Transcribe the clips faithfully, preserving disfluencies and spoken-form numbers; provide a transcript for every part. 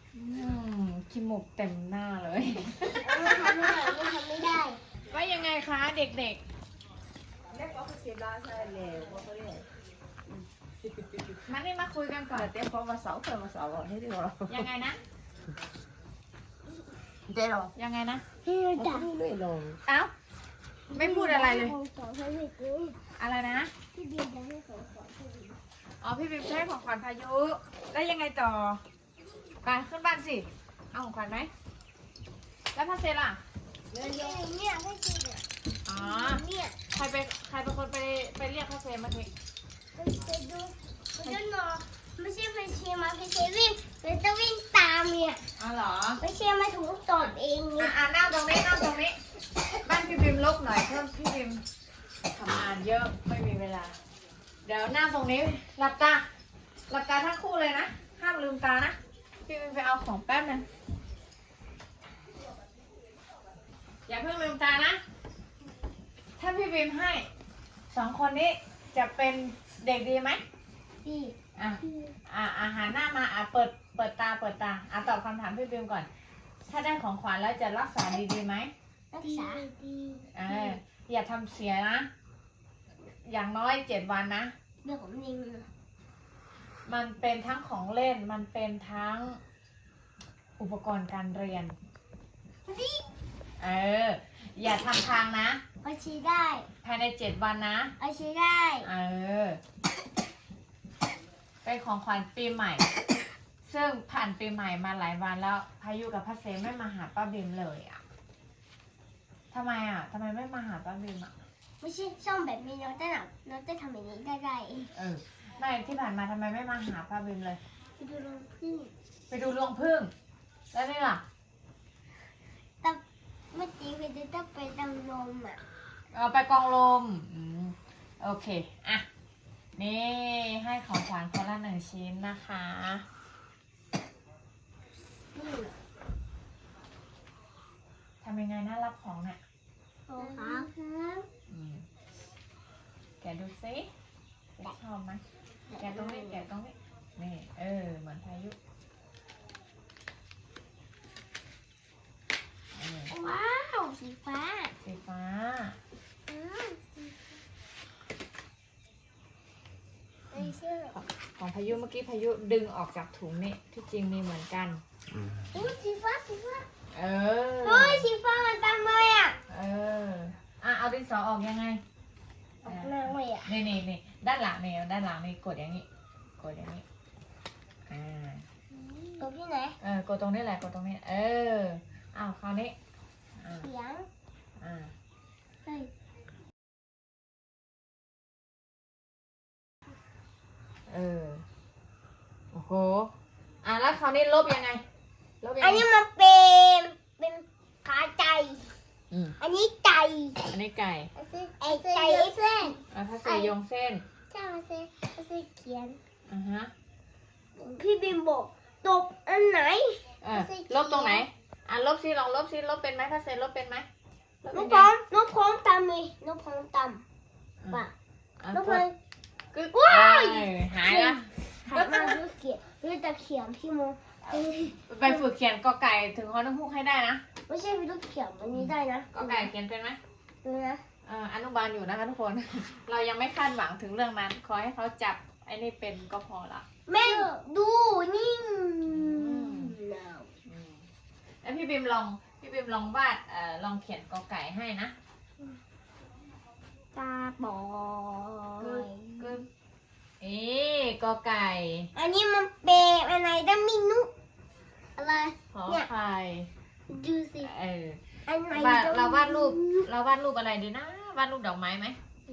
อืมขี้มูกเต็มหน้าเลยมันทำไม่ได้มันทำไม่ได้ว่ายังไงคะเด็กเล็กก็คือสิบล้านใช่เลยว่าเขาเรียกๆมานี่มาคุยกันก่อนเต็มพอมาเสาเพิ่มมาเสาให้ดีกว่ายังไงนะเดี๋ยวยังไงนะพี่เราจ๋าจะไม่ลงเอ้าไม่พูดอะไรเลยของสอนให้พี่กูอะไรนะพี่เบียร์จะให้ของสอนให้พี่อ๋อพี่บิมจะให้ของขวัญพายุแล้วยังไงต่อไปขึ้นบ้านสิเอาของขวัญไหมแล้วพาเซล่ะเนี่ยเนี่ยให้กินเนี่ยอ๋อเนี่ยใครไปใครเป็นคนไปไปเรียกพาเซเมื่อกี้มันไปดูมันจะนอนไม่ใช่ไปเชียร์มาไปเชียร์วิ่งมันจะวิ่งตามเนี่ยอ๋อเหรอไม่เชียร์มาถูกตอดเองอ่ะเนี่ยอ่ะนั่งตรงนี้นั่งตรงนี้ บ้านพี่บิมลกหน่อยเพิ่มพี่บิมทำงานเยอะไม่มีเวลา เดี๋ยวนั่งตรงนี้หลับตาหลับตาทั้งคู่เลยนะห้ามลืมตานะพี่บิมไปเอาของแป๊บนึงอย่าเพิ่งลืมตานะ ถ้าพี่บิมให้สองคนนี้จะเป็นเด็กดีไหมพี่อ่ะอ่ะอาหารหน้ามาอ่ะเปิดเปิดตาเปิดตาอ่ะตอบคำถามพี่บิมก่อน ถ้าได้ของขวัญแล้วจะรักษาดีๆไหมรักษาดีเอออย่าทำเสียนะ อย่างน้อยเจ็ดวันนะเรื่องของนิงมันเป็นทั้งของเล่น มันเป็นทั้งอุปกรณ์การเรียนนี่เออ อย่าทำทางนะเอาชีได้ภายในเจ็ดวันนะเอาชีได้เออ เป็นของขวัญปีใหม่ ซึ่งผ่านปีใหม่มาหลายวันแล้ว พายุกับพัสเซไม่มาหาป้าบิมเลยอ่ะทำไมอ่ะทำไมไม่มาหาป้าบิมอ่ะไม่ใช่ช่องแบบนี้น้องจะหนักน้องจะทำแบบนี้ได้ได้เองเออ ไม่ที่ผ่านมาทำไมไม่มาหาป้าบิมเลยไปดูลงพึ่งไปดูรวงพึ่ง แล้วนี่ล่ะแต่เมื่อกี้ไปดูต้องไปดำนมอ่ะเอาไปกองลมอืมโอเค อ่ะ นี่ให้ของขวัญคนละหนึ่งชิ้นนะคะนี่ทำยังไงน่ารับของเนี่ยโอ้ครับอืมแกะดูซิชอบไหมแกะตรงนี้แกะตรงนี้ นี่ เออ เหมือนพายุเออว้าวสีฟ้าสีฟ้าอืมสีไอ้เชื่อของพายุเมื่อกี้พายุดึงออกจากถุงนี่ที่จริงมีเหมือนกันอู้สีฟ้าสีฟ้าเออเฮ้ยสีฟ้ามันตามเลยอ่ะเออ อ่ะ เอาดินสอออกยังไงออกมาเลยอ่ะนี่นี่นี่ด้านหลังนี่ด้านหลังนี่กดอย่างนี้ กดอย่างนี้ อ่าตัวพี่ไหนเออกดตรงนี้แหละ กดตรงนี้ เออ อ้าวคราวนี้ อ่าเสียงอ่าเฮ้ยเออ โอ้โห อ่ะแล้วคราวนี้ลบยังไง ลบยังอันไงนี้มันเป็นเป็นขาใจอืมอันนี้ไก่อันนี้ไก่ไอ้ไก่ไอ้เส้นแล้วถ้าเสยโยงเส้นใช่มาเส้นมาเส้นเขียนอ่าฮะพี่บิมบอกตบอันไหนเออ ลบตรงไหน อ่ะลบซิลองลบซิลบเป็นไหมถ้าเสยลบเป็นไหมลบน้ยัองงพไงร้อมน้องพร้อมตามเลยน้องพร้อมตามอ่ะป่ะอ่ะน้องกพร้อดมกึ๊กว้ายเออหายละหายมากรู้เขียนรู้จะเขียนพี่โมเอ้ยไปฝึกเขียนกอไก่ถึงฮอนกฮูกให้ได้นะไม่ใช่พี่ลูกเขียนอันนี้ได้นะกอไก่เขียนเป็นไหมดูนะเอ่ออนุบาลอยู่นะคะทุกคน เรายังไม่คาดหวังถึงเรื่องนั้น ขอให้เขาจับไอ้นี่เป็นก็พอละแม่ดูนี่แล้วพี่บิมลอง พี่บิมลองวาดเอ่อลองเขียนกอไก่ให้นะตาบอกึ๊ดกกึ๊กเอ๊ะกอไก่อันนี้มันเป็นอะไรได้ไม่นุอะไรขอเนี่ยไข่ดูสิเอออันไหนวาดจะเราวาดรูป เราวาดรูปอะไรดีนะ วาดรูปดอกไม้ไหม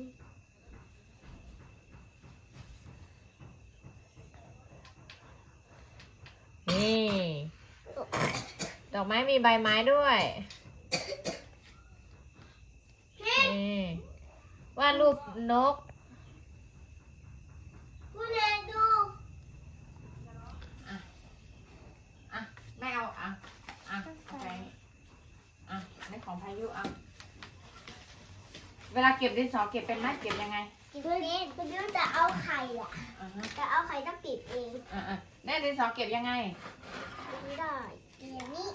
นี่ ดอกไม้มีใบไม้ด้วย นี่วาดรูปนกคุณแม่ดูอ่ะแม่เอาอ่ะอ่ะเอาไปนี่อ่ะอันนี้ของพายุเอาเวลาเก็บดินสอเก็บเป็นไหมเก็บยังไงคุณแม่คุณแม่จะเอาไข่อ่ะอ่าฮะจะเอาไข่ต้องปิดเองอ่าอ่าแน่ดินสอเก็บยังไงเไม่ได้อย่างนี้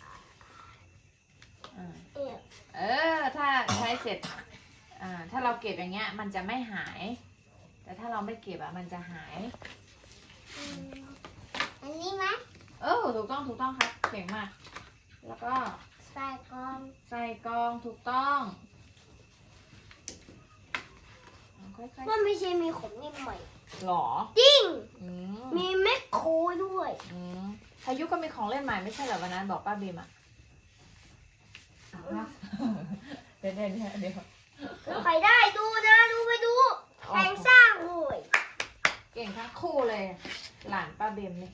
อ่าเอี่ยเออ ถ้าใช้เสร็จ อ่า ถ้าเราเก็บอย่างเงี้ย มันจะไม่หาย แต่ถ้าเราไม่เก็บอะมันจะหายอืมอันนี้ไหมเออ ถูกต้อง ถูกต้องครับ เก่งมาก แล้วก็ใส่กล่องใส่กรองถูกต้องค่อยว่าไม่ใช่มีของนี่ใหม่ๆหรอจริงอืมมีแมคโครด้วยอืมพายุก็มีของเล่นใหม่ไม่ใช่เหรอวันนั้นบอกป้าบีมอะเดี๋ยวเดี๋ยวเดี๋ยวเดี๋ยวใครได้ดูนะดูไปดูแปลงสร้างเลยเก่งทั้งคู่เลย หลานป้าบีมนี่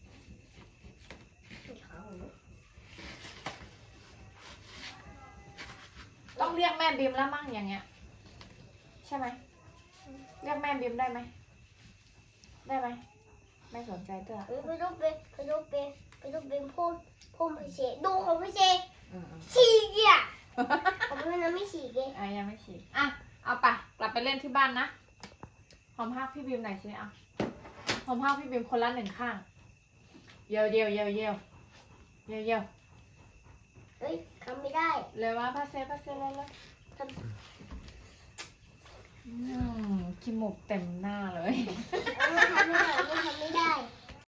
ต้องเรียกแม่บีมแล้วมั่งอย่างเงี้ย ใช่ไหมเรียกแม่บีมได้ไหมได้ไหมไม่สนใจเต้อไปดูเป็นไปดูเป็นไปดูเป็นพูดพูดพิเศษดูของพิเศษอืมฉีกอ่ะของพี่นั้นไม่ฉีกเลยอ่ะยังไม่ฉีดอ่ะเอาไปกลับไปเล่นที่บ้านนะหอมภาพพี่บีมหน่อยสิอ่ะหอมภาพพี่บีมคนละหนึ่งข้างเยวเยวเยวเยวเยวเยวเฮ้ยทำไม่ได้เร็วมาพาเซพาเซเลยเลยทำอืมขี้มูกเต็มหน้าเลยไม่ทำไม่ได้ไม่ทำ